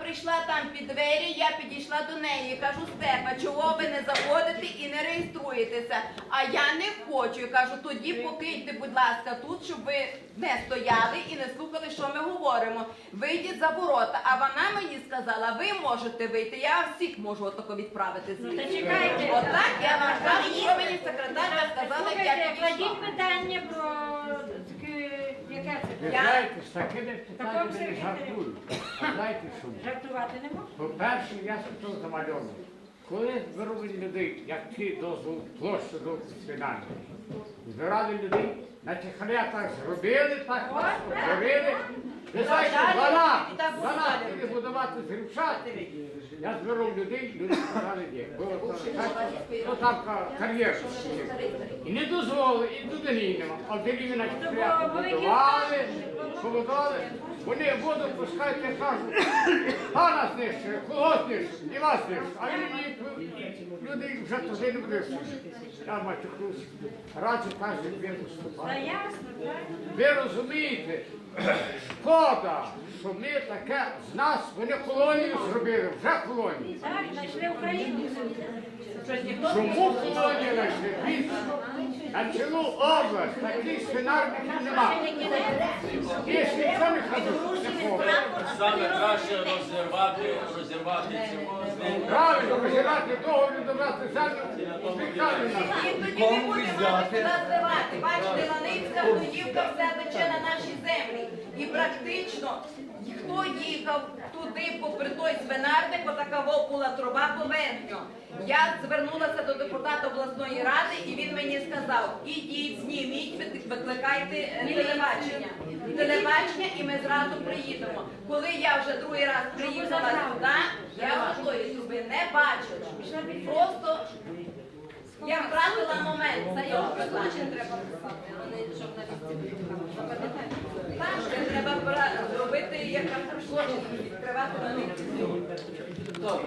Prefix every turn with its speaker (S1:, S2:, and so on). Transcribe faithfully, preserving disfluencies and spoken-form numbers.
S1: прийшла там під двері, я підійшла до неї і кажу, Стефа, чого ви не заходите і не реєструєтеся? А я не хочу. І кажу, тоді покиньте, будь ласка, тут, щоб ви не стояли і не слухали, що ми говоримо. Вийдіть за ворота. А вона мені сказала, ви можете вийти, я всіх можу отако відправити звідси.
S2: Чекайте.
S1: Отак я вам кажу, що мені секретарка сказала, як я
S2: Слухайте,
S1: підійшла.
S2: кладіть питання про таке, яке
S3: Ви
S2: це?
S3: знаєте, з такими
S2: Такому
S3: питаннями не
S2: секретарю.
S3: жартую. А знаєте що?
S2: Жартувати не можна?
S3: По-перше, я тут замальовую. Коли збирали людей, як ті дозвол площу до свидання, збирали людей, значить халя так зробили, так зробили. Ви знаєте, вона, вона буде будувати зрівшати. Я збирав людей, люди сказали, ні. Було так, ну там ка- кар'єр. І не дозволили, і туди нема. А в Деліві, значить, приятно будували, побудували. Вони воду пускають і кажуть, пана знищує, кого знищує, і вас знищує. А люди, люди вже туди не будуть. Я матюкусь. Раді каже, він
S2: Та
S3: виступає.
S2: ясно, так?
S3: Ви розумієте, шкода, що ми таке, з нас, вони колонію зробили, вже колонію.
S2: Так, знайшли Україну.
S3: Чому колонію знайшли? Більше. На цілу область таких свинарників нема. Більше ніхто не ходить, не ходить.
S4: Саме краще розірвати, розірвати цього з ним.
S3: Правильно, розірвати договір, добрати землю, спікали нас.
S1: І тоді ми будемо сюди зливати. Бачите, Ланицька, Гудівка, все тече на наші землі. І практично, хто їхав туди, попри той свинарник, отакова була труба поверхньо. Я звернулася до депутата обласної ради, і він мені сказав, ідіть, зніміть, ви- викликайте е, телебачення. Телебачення, і ми зразу приїдемо. Коли я вже другий раз приїхала сюди, я вже тої труби не бачила. Просто я втратила момент. Заяву призначення треба писати, а не журналістів. Так, це треба пора- робити як злочин, відкривати на них.